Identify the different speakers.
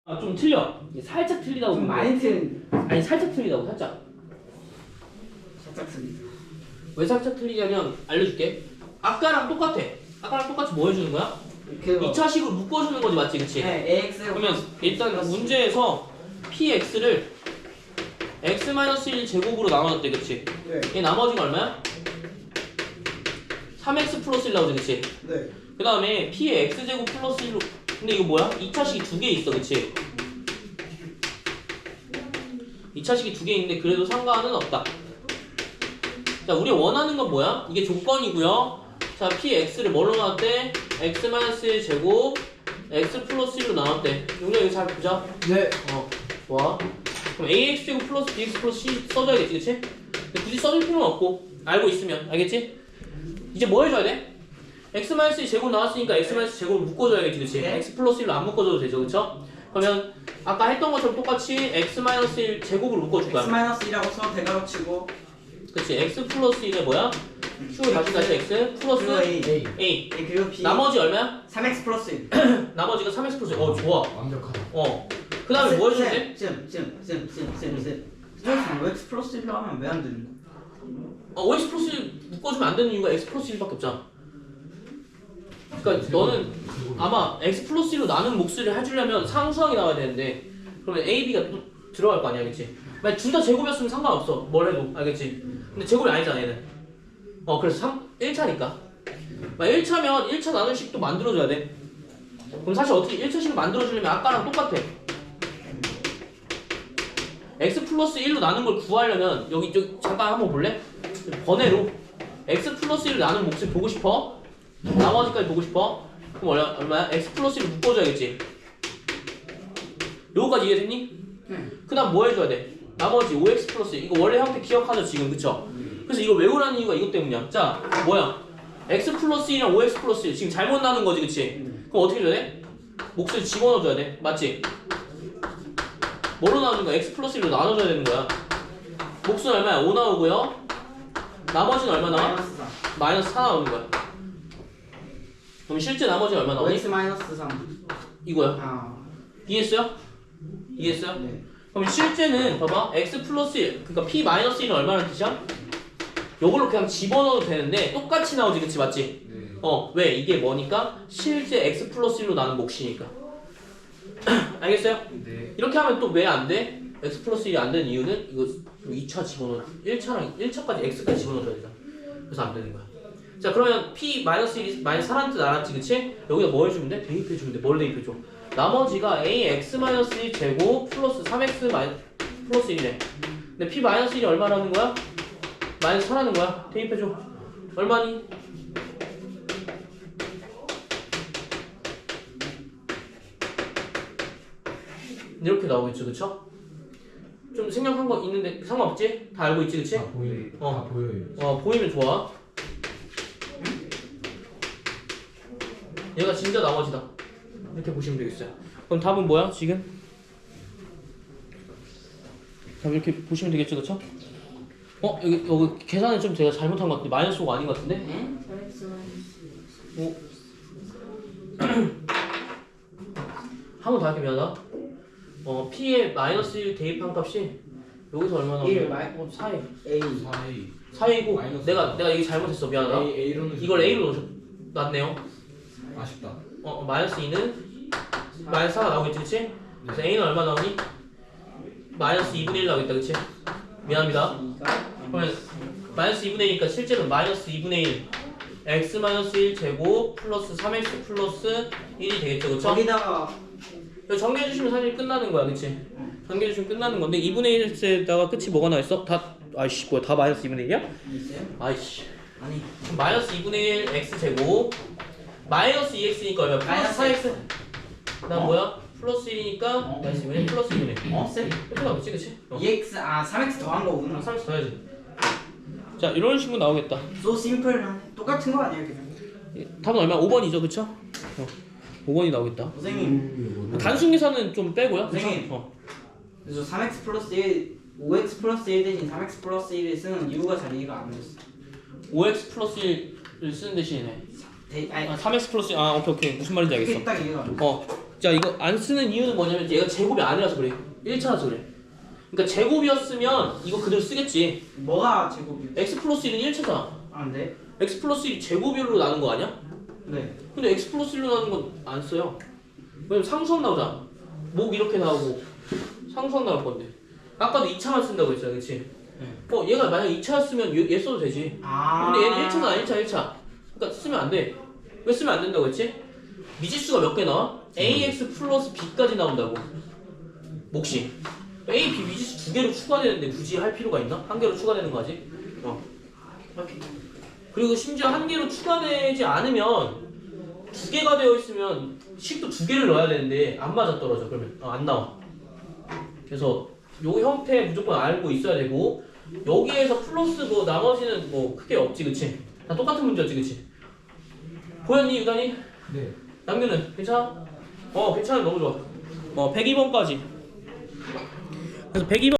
Speaker 1: 아, 좀 틀려. 이게 살짝 틀리다고.
Speaker 2: 좀 많이 틀린.
Speaker 1: 아니, 살짝 틀리다고, 살짝.
Speaker 2: 살짝 틀린.
Speaker 1: 왜 살짝 틀리냐면, 알려줄게. 아까랑 똑같아. 아까랑 똑같이 뭐 해주는 거야?
Speaker 2: 그거.
Speaker 1: 2차식으로 묶어주는 거지, 맞지? 그치?
Speaker 2: 네, AX.
Speaker 1: 그러면 일단 문제에서 px를 x-1 제곱으로 나눠줬대, 그치?
Speaker 2: 네.
Speaker 1: 얘 나머지가 얼마야? 3x 플러스 1 나오지, 그치?
Speaker 2: 네.
Speaker 1: 그 다음에 p의 x제곱 플러스 1로 근데 이거 뭐야? 2차식이 두 개 있어, 그치? 2차식이 두 개 있는데 그래도 상관은 없다. 자, 우리가 원하는 건 뭐야? 이게 조건이고요. 자, px를 뭘로 나왔대? x-1 제곱 x 플러스 1로 나왔대. 용량 이거 잘 보자.
Speaker 2: 네.
Speaker 1: 좋아. 그럼 ax 제곱 플러스 bx 플러스 c 써줘야겠지, 그치? 근데 굳이 써줄 필요는 없고 알고 있으면, 알겠지? 이제 뭐 해줘야 돼? x-1 제곱 나왔으니까 x-1 제곱을 묶어줘야겠지, 그치?
Speaker 2: 네.
Speaker 1: x 플러스 1로 안 묶어줘도 되죠, 그쵸? 그러면 아까 했던 것처럼 똑같이 x-1 제곱을 묶어줄 거야.
Speaker 2: X-1이라고 써 대괄호 치고.
Speaker 1: 그치? x 플러스 1에 뭐야? q 다시 x 플러스
Speaker 2: 그리고 A.
Speaker 1: a.
Speaker 2: 그리고 B.
Speaker 1: 나머지 얼마야?
Speaker 2: 3X 플러스 1.
Speaker 1: 나머지가 3x 플러스 1. 좋아.
Speaker 3: 완벽하다.
Speaker 1: 그 다음에 뭐 해줘야 돼?
Speaker 2: 쌤. X 플러스 1로 하면 왜 안 되는 거야?
Speaker 1: 5x 플러스 1 묶어주면 안 되는 이유가 x 플러스 1밖에 없잖아. 그러니까 너는 아마 x 플러스 1로 나눈 몫을 해주려면 상수항이 나와야 되는데 그러면 a, b가 또 들어갈 거 아니야, 그치? 만약 둘 다 제곱이었으면 상관없어, 뭘 해도, 알겠지? 근데 제곱이 아니잖아, 얘는. 그래서 1차니까 만약 1차면 1차 나눌 식도 만들어줘야 돼. 그럼 사실 어떻게 1차식을 만들어주려면 아까랑 똑같아. x 플러스 1로 나눈 걸 구하려면 여기 잠깐 한번 볼래? 번외로 x 플러스 1로 나눈 몫을 보고 싶어? 나머지까지 보고 싶어? 그럼 얼마야? x 플러스 1을 묶어줘야겠지. 요거까지 이해됐니? 그 다음 뭐 해줘야 돼? 나머지 5x 플러스 1 이거 원래 형태 기억하죠 지금, 그쵸? 그래서 이거 외우라는 이유가 이것 때문이야. 자, 뭐야? x 플러스 1이랑 5x 플러스 1 지금 잘못 나눈 거지, 그치? 그럼 어떻게 해줘야 돼? 몫을 집어넣어줘야 돼, 맞지? 뭐로 나누는 거야? x 플러스 1로 나눠줘야 되는 거야. 몫은 얼마야? 5 나오고요. 나머지는 얼마 나와? 마이너스 4 나오는 거야. 그럼 실제 나머지는 얼마 나오니?
Speaker 2: 5X 마이너스 3.
Speaker 1: 이거야.
Speaker 2: 아.
Speaker 1: 이해했어요? 이해했어요?
Speaker 2: 네.
Speaker 1: 그럼 실제는 봐봐, x 플러스 1 그러니까 p 마이너스 1은 얼마라는 뜻이야? 요걸로 그냥 집어넣어도 되는데 똑같이 나오지, 그치? 맞지?
Speaker 3: 네.
Speaker 1: 왜? 이게 뭐니까? 실제 x 플러스 1로 나눈 몫이니까. 알겠어요?
Speaker 3: 네.
Speaker 1: 이렇게 하면 또 왜 안 돼? x 플러스 1이 안 되는 이유는 이거 2차 집어넣어 1차까지 x까지 집어넣어줘야 되잖아. 그래서 안 되는 거야. 자, 그러면 p 마이너스 1이 마이너스 4라는 뜻 알았지, 그치? 여기다 뭐 해주면 돼? 대입해주면 돼. 뭘 대입해줘? 나머지가 ax 마이너스 1 제곱 플러스 3x 플러스 1이래. 근데 p 마이너스 1이 얼마라는 거야? 마이너스 4라는 거야. 대입해줘. 얼마니? 이렇게 나오겠죠, 그쵸? 좀 생략한 거 있는데 상관없지? 다 알고 있지, 그치?
Speaker 3: 다 보여요. 다 보여요.
Speaker 1: 보이면 좋아. 얘가 진짜 나머지다. 이렇게 보시면 되겠어요. 그럼 답은 뭐야, 지금? 답 이렇게 보시면 되겠죠, 그쵸? 여기 계산을 좀 제가 잘못한 것 같은데 마이너스 5가 아닌 것 같은데?
Speaker 2: 네?
Speaker 1: 한 번 더 할게, 미안하다. p에 마이너스 1 대입한 값이 여기서 얼마
Speaker 2: 일,
Speaker 1: 나오냐? 4에
Speaker 2: A.
Speaker 3: 4A.
Speaker 1: 4이고
Speaker 3: 마이너스
Speaker 1: 내가 얘기 잘못했어, 미안하다.
Speaker 3: A로는
Speaker 1: 이걸 A로 놨네요.
Speaker 3: 아쉽다.
Speaker 1: 마이너스 2는 마이너스 4가 나오겠지, 그치? 그래서 A는 얼마 나오니? 마이너스 2분의 1 나오겠다, 그치? 미안합니다. 그러면 마이너스 2분의 1이니까 실제는 마이너스 2분의 1 x 마이너스 1 제곱 플러스 3x 플러스 1이 되겠죠, 그쵸?
Speaker 2: 거기다가
Speaker 1: 이거 정리해주시면 사실 끝나는 거야, 그치? 정리해주시면 끝나는 건데 2분의 1에다가 끝이 뭐가 나있어? 아이씨, 뭐야, 다 마이너스 2분의 1이야?
Speaker 2: 있어요?
Speaker 1: 아이씨.
Speaker 2: 아니.
Speaker 1: 그럼 마이너스 2분의 1 x 제곱 마이너스 2x니까 얼마야? 플러스
Speaker 2: 마이너스
Speaker 1: 4x. 그 다음 뭐야? 플러스 1이니까 마이너스 2분의 1 플러스 2분의 1.
Speaker 2: 쌤?
Speaker 1: 이렇게 나오겠지, 그치?
Speaker 2: 3X 더한 거구나.
Speaker 1: 30 더해야지. 자, 이런 식으로 나오겠다.
Speaker 2: So simple. 똑같은 거 아니에요, 그냥?
Speaker 1: 답은 얼마? 5번이죠, 그쵸? 5번이 나오겠다.
Speaker 2: 선생님.
Speaker 1: 단순 계산은 좀 빼고요. 그쵸?
Speaker 2: 선생님. 그래서 3X 플러스 1, 5X 플러스 1 대신 3X 플러스 1을 쓰는 이유가 잘 이해가 안 됐어.
Speaker 1: 5x 플러스 1을 쓰는 대신에
Speaker 2: 아니,
Speaker 1: 3x 플러스 오케이 무슨 말인지 알겠어.
Speaker 2: 그게 딱 이해가 안 돼.
Speaker 1: 자 이거 안 쓰는 이유는 뭐냐면 얘가 제곱이 아니라서 그래. 1차라서 그래. 그러니까 제곱이었으면 이거 그대로 쓰겠지.
Speaker 2: 뭐가 제곱이요?
Speaker 1: x 플러스 1은 1차잖아.
Speaker 2: 아, 네.
Speaker 1: x 플러스 1이 제곱으로 나눈 거 아니야?
Speaker 2: 네.
Speaker 1: 근데 x 플러스 1로 나눈 건 안 써요. 왜냐면 상수항 나오잖아. 목 이렇게 나오고 상수항 나올 건데. 아까도 2차만 쓴다고 했잖아, 그치?
Speaker 2: 네.
Speaker 1: 얘가 만약 2차였으면 얘 써도 되지.
Speaker 2: 아.
Speaker 1: 근데 얘는 1차잖아, 1차. 그러니까 쓰면 안 돼. 왜 쓰면 안 된다고 했지? 미지수가 몇 개 나와? ax 플러스 b까지 나온다고. 몫이. a, b 미지수 2개로 추가되는데 굳이 할 필요가 있나? 1개로 추가되는 거 아직? 그리고 심지어 1개로 추가되지 않으면 2개가 되어 있으면 식도 2개를 넣어야 되는데 안 맞아 떨어져. 그러면 안 나와. 그래서 요 형태 무조건 알고 있어야 되고 여기에서 플러스 뭐 나머지는 뭐 크게 없지, 그치? 다 똑같은 문제였지, 그치? 보였니, 유단이?
Speaker 3: 네.
Speaker 1: 남규는 괜찮아? 괜찮아. 너무 좋아. 102번까지. 그래서 102번